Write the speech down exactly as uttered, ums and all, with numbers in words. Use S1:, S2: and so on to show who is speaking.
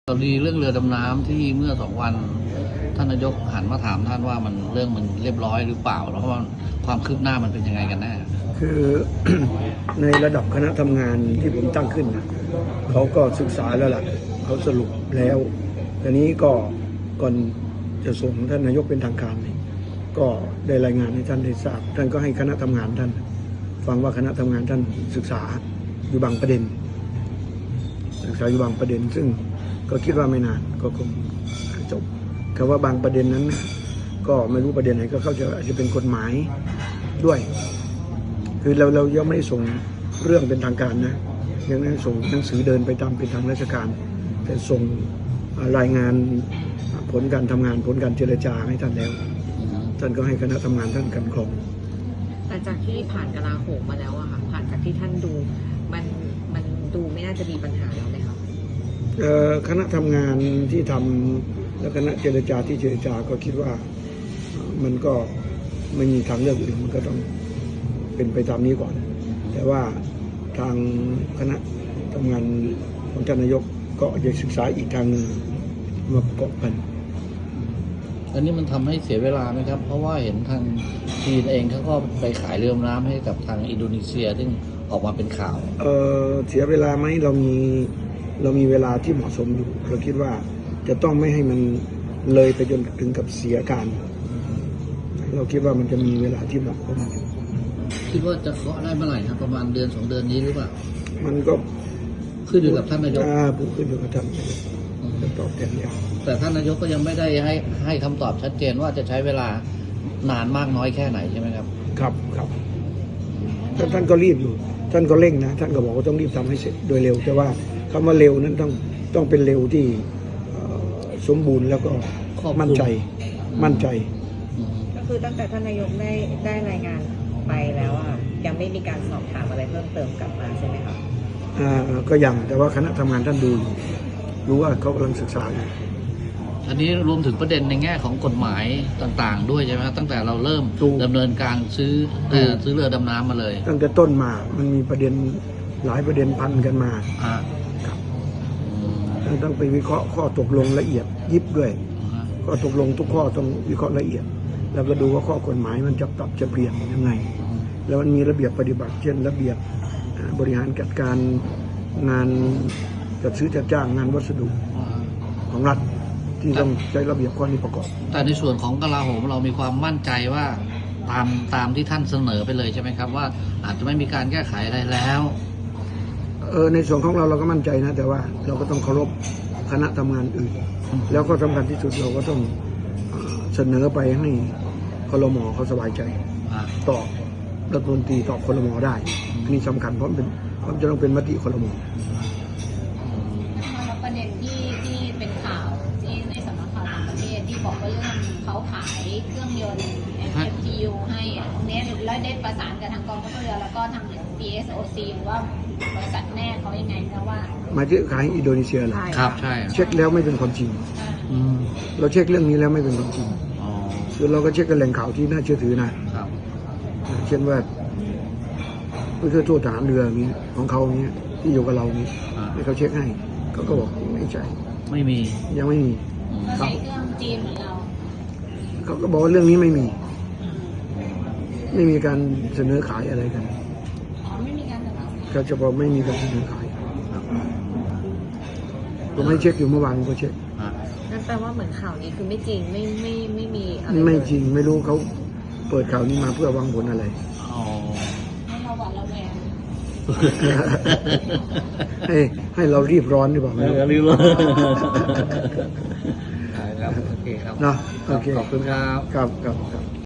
S1: กรณีเรื่องเรือดำน้ำที่เมื่อสองวันท่านนายกหันมาถามท่านว่ามันเรื่องมันเรียบร้อยหรือเปล่าแล้วว่าความคืบหน้ามันเป็นยังไงกันแน่
S2: คือ ในระดับคณะทำงานที่ผมตั้งขึ้นนะเขาก็ศึกษาแล้วล่ะเขาสรุปแล้วทีนี้ก็ก่อนจะส่งท่านนายกเป็นทางการนี่ก็ได้รายงานให้ท่านได้ทราบท่านก็ให้คณะทำงานท่านฟังว่าคณะทำงานท่านศึกษาอยู่บางประเด็นศึกษาอยู่บางประเด็นซึ่งก็คิดว่าไม่นานก็คงจบคำว่าบางประเด็นนั้นก็ไม่รู้ประเด็นไหนก็เข้าใจอาจจะเป็นกฎหมายด้วยคือเราเรายังไม่ได้ส่งเรื่องเป็นทางการนะยังไม่ได้ส่งหนังสือเดินไปตามเป็นทางราชการแต่ส่งรายงานผลการทำงานผลการเจรจาให้ท่านแล้วท่านก็ให้คณะทำงานท่านกันกรอง
S3: แต่จากที่ผ่านกลาโหมมาแล้วอะค่ะผ่านจากที่ท่านดูมันมันดูไม่น่าจะมีปัญหาแล้วไหมครับ
S2: คณะทำงานที่ทำและคณะเจรจาที่เจรจาก็คิดว่ามันก็ไม่มีทางเลือกอื่นมันก็ต้องเป็นไปตามนี้ก่อนแต่ว่าทางคณะทำงานของท่านนายกก็จะศึกษาอีกทางหนึ่งมาประกอบกัน
S1: อันนี้มันทำให้เสียเวลาไหมครับเพราะว่าเห็นทางจีนเองเขาก็ไปขายเรือดำน้ำให้กับทางอินโดนีเซียซึ่งออกมาเป็นข่าว
S2: เออเสียเวลาไหมเรามีเรามีเวลาที่เหมาะสมอยู่เราคิดว่าจะต้องไม่ให้มันเลยไปจนถึงกับเสียการเราคิดว่ามันจะมีเวลาที่เหมาะสมอยู่
S1: คิดว่าจะเคาะได้เมื่อไหร่ครับประมาณเดือนสองเดือนนี้หรือเปล่า
S2: มันก็
S1: ขึ้นอยู่กับท่านนายก
S2: อ่าขึ้นอยู่กับท่านจะตอบแทนยัง
S1: แต่ท่านนายกก็ยังไม่ได้ให้ให้คำตอบชัดเจนว่าจะใช้เวลานานมากน้อยแค่ไหนใช่ไหมครับ
S2: ครับครับท่านท่านก็รีบอยู่ท่านก็เร่งนะท่านก็บอกว่าต้องรีบทำให้เสร็จโดยเร็วแต่ว่าคำว่าเร็วนั้นต้องต้องเป็นเร็วที่สมบูรณ์แล้วก็มั่นใจมั่นใจ
S3: ก็คือตั้งแต่ท่านนายกได้ได้รายงานไปแล้วอ่ะยังไม่มีการสอบถามอะไรเพิ่มเติมกลับมาใช่ไหมครับ
S2: อ่าก็ยังแต่ว่าคณะทำงานท่านดูรู้ว่าเขากำลังศึกษาอยู่
S1: อันนี้รวมถึงประเด็นในแง่ของกฎหมายต่างๆด้วยใช่ไหมครับตั้งแต่เราเริ่มดำเนินการซื้อซื้อเรือดำน้ำมาเลย
S2: ตั้งแต่ต้นมามันมีประเด็นหลายประเด็นพันกันมา
S1: อ่า
S2: ครับต้องไปวิเคราะห์ข้อตกลงละเอียดยิบด้วยข้อตกลงทุกข้อต้องวิเคราะห์ละเอียดแล้วก็ดูว่าข้อกฎหมายมันจะปรับจะเปลี่ยนยังไงแล้วมันมีระเบียบปฏิบัติเช่นระเบียบบริหารจัดการงานจัดซื้อจัดจ้างงานวัสดุของรัฐที่ต้องใช้ระเบียบข้อนี้ประกอบ
S1: แต่ในส่วนของกลาโหมเรามีความมั่นใจว่าตามตามที่ท่านเสนอไปเลยใช่ไหมครับว่าอาจจะไม่มีการแก้ไขอะไรแล้ว
S2: เออในส่วนของเราเราก็มั่นใจนะแต่ว่าเราก็ต้องเคารพคณะทำงานอื่นแล้วก็สำคัญที่สุดเราก็ต้องเสนอไปให้ครม.เขาสบายใจตอบรัฐมนตรีตอบครม.ได้อันนี้สำคัญเพราะเป็นเพราะจะต้องเป็นมติครม.
S4: ประเด็นที่ที่เป็นข่าวที่ในสำนักข่าวต่างประเทศที่บอกว่าเรื่องเขาขายเครื่องยนต์ เอฟ ที ยู ให้ตรงนี้แล้วได้ประสานกับทางกองทัพเรือแล้วก็ทาง พี เอส โอ ซี หรือว่าบริษัทแม่เขายังไงนะว่า
S2: มาที่ขายอินโดนีเซียเหรอ
S1: ครับใช่
S2: เช็คแล้วไม่เป็นความจริงเราเช็คเรื่องนี้แล้วไม่เป็นความจริงคือเราก็เช็คกับแหล่งข่าวที่น่าเชื่อถือนะเช่นว่าผู้ช่วยทูตทหารเรือนี้ของเขาเนี้ยที่อยู่กับเรานี้ให้เขาเช็คให้เขาก็บอกไม่ใช่
S1: ไม่มี
S2: ยังไม่มี
S4: ใช้เครื่องจีนเหมือนเรา
S2: เขาก็บอกว่าเรื่องนี้ไม่มีไม่มีการเสนอขายอะไรกัน
S4: อ๋อไม่มีการเสนอ
S2: เขาจะบอกไม่มีการเสนอขายผมให้เช็คอยู่เมื่อวานก็เช็ค
S3: นั่นแปลว่าเหมือนข่าวนี้คือไม่จริงไม่ไม่ไม่มีอะไร
S2: ไม่จริงไม่รู้เขาเปิดข่าวนี้มาเพื่อวางผลอะไร
S4: อ๋อให้เราหวั่นระแวง
S2: ให้ให้เรารีบร้อนดีกว่า
S1: รีบร้อนครับโอเคครับ
S2: เนาะโอเค
S1: ขอบคุณครับ
S2: ครับครับ